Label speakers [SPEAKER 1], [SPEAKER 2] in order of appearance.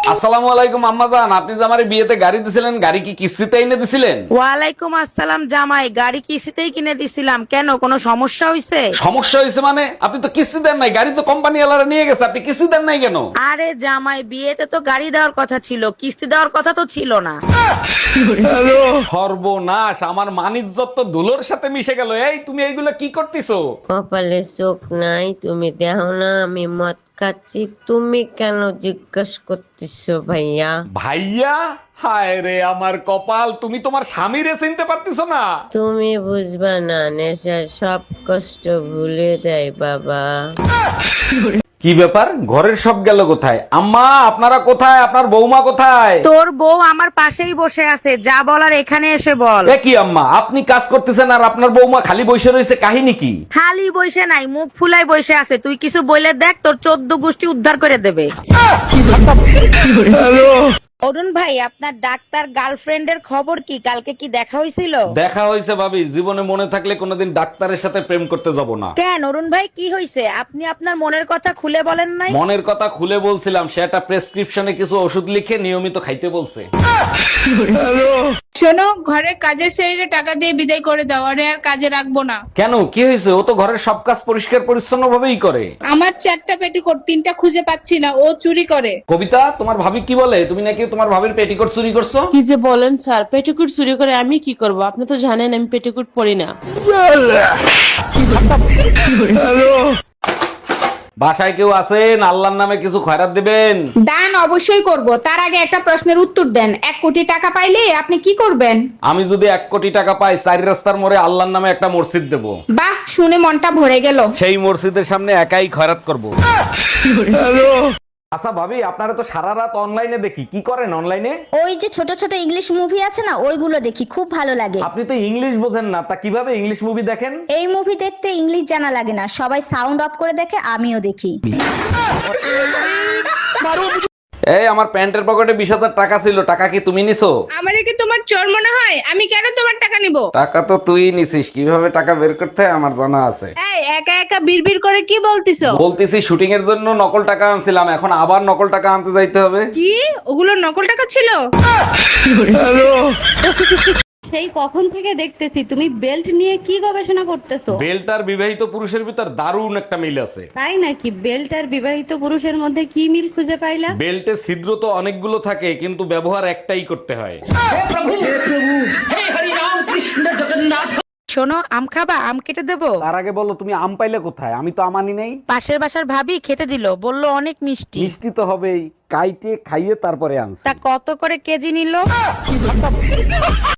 [SPEAKER 1] আসসালামু আলাইকুম আম্মা জান, আপনি যে আমার বিয়েতে গাড়ি দিছিলেন, গাড়ি কি কিস্তিতে এনে দিছিলেন?
[SPEAKER 2] ওয়ালাইকুম আসসালাম জামাই, গাড়ি কিস্তিতেই কিনে দিছিলাম। কেন, কোনো সমস্যা হয়েছে?
[SPEAKER 1] সমস্যা হয়েছে মানে? আপনি তো কিস্তি দেন নাই, গাড়ি তো কোম্পানি ওয়ালারা নিয়ে গেছে, আপনি কিস্তি দেন নাই কেন?
[SPEAKER 2] আরে জামাই, বিয়েতে তো গাড়ি দেওয়ার কথা ছিল, কিস্তি দেওয়ার কথা তো ছিল না।
[SPEAKER 1] সর্বনাশ, আমার মানিজ্জত তো ধুলোর সাথে মিশে গেল। এই তুমি এইগুলো কি করতেছো?
[SPEAKER 3] কপালে চোখ নাই, তুমি দেখো না আমি মদ খাচ্ছি, তুমি কেন জিজ্ঞেস করতেছো ভাইয়া?
[SPEAKER 1] ভাইয়া? হায় রে আমার কপাল, তুমি তোমার স্বামীরে চিনতে পারতেছো না?
[SPEAKER 3] তুমি বুঝবা না, নেশা সব কষ্ট ভুলে দেয় বাবা।
[SPEAKER 1] কি ব্যাপার, ঘরের সব গেল কোথায়? আম্মা আপনারা কোথায়? আপনার বৌমা কোথায়?
[SPEAKER 2] তোর বউ আমার পাশেই বসে আছে, যা বলার এখানে এসে বল।
[SPEAKER 1] এ কি আম্মা, আপনি কাজ করতেছেন আর আপনার বৌমা খালি বসে রয়েছে, কাহিনী কি?
[SPEAKER 2] খালি বসে নাই, মুখ ফুলাই বসে আছে। তুই কিছু বলে দেখ, তোর 14 গোষ্ঠী উদ্ধার করে দেবে। অরুণ ভাই, আপনার ডাক্তার গার্লফ্রেন্ডের খবর কি? কালকে কি দেখা হয়েছিল?
[SPEAKER 1] দেখা হয়েছে ভাবি, জীবনে মনে থাকলে কোনোদিন ডাক্তারের সাথে প্রেম করতে যাব না।
[SPEAKER 2] কেন অরুণ ভাই, কি হয়েছে? আপনি আপনার মনের কথা খুলে বলেন নাই।
[SPEAKER 1] মনের কথা খুলে বলছিলাম, সে একটা প্রেসক্রিপশনে কিছু ওষুধ লিখে নিয়মিত খাইতে বলছে।
[SPEAKER 4] শোনো, ঘরের কাজের ছেড়ে টাকা দিয়ে বিদায় করে দাও, আরে আর কাজে রাখবো না।
[SPEAKER 1] কেন, কি হয়েছে? ও তো ঘরের সব কাজ পরিষ্কার পরিচ্ছন্ন ভাবেই করে।
[SPEAKER 4] আমার 4টা পেটিকোট, 3টা খুঁজে পাচ্ছি না, ও চুরি করে।
[SPEAKER 1] কবিতা, তোমার ভাবি কি বলে? তুমি নাকি তোমার ভাবির পেটিকোট চুরি করছো?
[SPEAKER 5] কি যে বলেন স্যার, পেটিকুট চুরি করে আমি কি করব? আপনি তো জানেন আমি পেটিকুট পরি না।
[SPEAKER 1] বাসায় কেউ আছেন? আল্লাহর নামে কিছু খয়রাত দিবেন।
[SPEAKER 4] দান অবশ্যই করব, তার আগে একটা প্রশ্নের উত্তর দেন। 1 কোটি টাকা পাইলে আপনি কি করবেন?
[SPEAKER 1] আমি যদি 1 কোটি টাকা পাই, 4 রাস্তার মোড়ে আল্লাহর নামে একটা মসজিদ দেব।
[SPEAKER 4] বাহ, শুনে মনটা ভরে গেল।
[SPEAKER 1] সেই মসজিদের সামনে একাই খয়রাত করব। আচ্ছা ভাবি, আপনারা তো সারা রাত অনলাইনে দেখি, কি করেন অনলাইনে?
[SPEAKER 6] ওই যে ছোট ছোট ইংলিশ মুভি আছে না, ওইগুলো দেখি, খুব ভালো লাগে।
[SPEAKER 1] আপনি তো ইংলিশ বোঝেন না, তা কিভাবে ইংলিশ মুভি দেখেন?
[SPEAKER 6] এই মুভি দেখতে ইংলিশ জানা লাগে না, সবাই সাউন্ড অফ করে দেখে, আমিও দেখি।
[SPEAKER 1] এই আমার প্যান্টের পকেটে 20,000 টাকা ছিল, টাকা কি তুমি নিছো?
[SPEAKER 4] আমারে কি তোমার চোর মনে হয়? আমি কেন তোমার টাকা নিব?
[SPEAKER 1] টাকা তো তুই নিছিস, কিভাবে টাকা বের করতে হয় আমার জানা আছে।
[SPEAKER 4] এই একা একা বিড়বিড় করে কি বলতিছো?
[SPEAKER 1] বলতেছি শুটিং এর জন্য নকল টাকা আনছিলাম, এখন আবার নকল টাকা আনতে যাইতে হবে।
[SPEAKER 4] কি, ওগুলো নকল টাকা ছিল?
[SPEAKER 7] সেই কখন থেকে দেখতেছি তুমি বেল্ট নিয়ে কি গবেষণা করতেছো।
[SPEAKER 1] বেল্ট আর বিবাহিত পুরুষের ভিতর দারুণ একটা মিল আছে।
[SPEAKER 7] তাই নাকি? বেল্ট আর বিবাহিত পুরুষের মধ্যে কি মিল খুঁজে পাইলা?
[SPEAKER 1] বেল্টে ছিদ্র তো অনেকগুলো থাকে, কিন্তু ব্যবহার একটাই করতে হয়।
[SPEAKER 2] শোনো, আম খাবা? আম কেটে দেবো?
[SPEAKER 1] তার আগে বলো, তুমি আম পাইলে কোথায়? আমি তো আমানি নেই।
[SPEAKER 2] পাশের বাসার ভাবি খেতে দিল, বললো অনেক মিষ্টি।
[SPEAKER 1] মিষ্টি তো হবেই, কাইটে খাইয়ে তারপরে আনছি।
[SPEAKER 2] তা কত করে কেজি নিল?